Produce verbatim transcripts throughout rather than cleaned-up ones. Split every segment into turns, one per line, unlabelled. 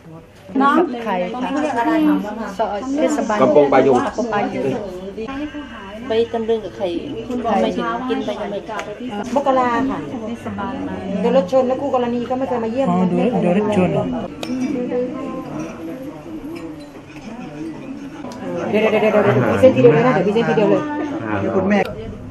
น้อง
ไข่ค่ะซอยเทศบาล
กำปงปลายุง
กำปงปลายุงไปตำลึงกับไข่ไม่ถึงกินไปยังไม่กล้าม
กราค่ะเดี๋ยวรถชนแล้วคู่กรณีก็ไม่เคยมาเยี่ยม
อ๋อเดี๋ยวเดี๋ยวรถชน
เดี๋ยวเดี๋ยวเดี๋ยวเดี๋ยวพี่เส้นทีเดียวเลยนะเดี๋ยวพี่เส้นทีเดียวเลยคุณแม่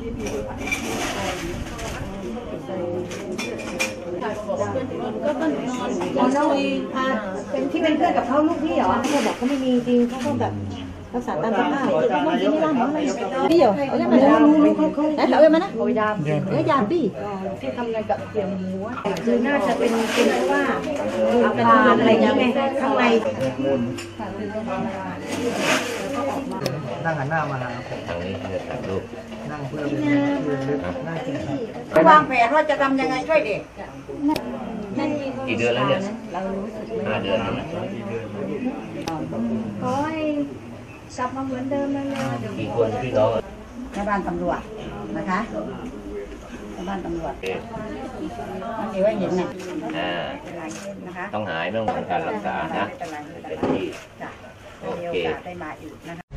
น้องเป็นที่เป็นเพื่อนกับเขาลูกพี่เหรอเขาบอกเขาไม่มีจริงเขาก็แบบรักษาตามสภาพพี่เหรอเอาได้ไหมรู้รู้รู้เขาเขาเอาได้ไหมนะโอ้ยดามเนื้อยามพี่ที่ทำงานกับเสี่ยงหมูคือน่าจะเป็นเป็นเพราะว่าอาการอะไรอย่างเงี้ยข้างใน
นั่งหันหน้ามาหาผม
ทางนี้จะถ่ายรูป
นั่งเพื่อเป็นนั่งกินข้าว
วางแผนว่าจะทำยังไงช่วยเด็ก
กี่เดือนแล้วเนี่ยห้าเดือนแล้วนะ
ขอให้กลับมาเหมือนเดิมแล้วนะ
กี่คนพี่น้อง
แม่บ้านตำรวจนะคะแม่บ้านตำรวจมันเดี๋ยวให้เห็นนะ
อ่า
นะคะ
ต้องหายไม่ต้องการรักษานะเป็นที่โอ
มีโอ
เค
กาสได้มาอีกนะคะ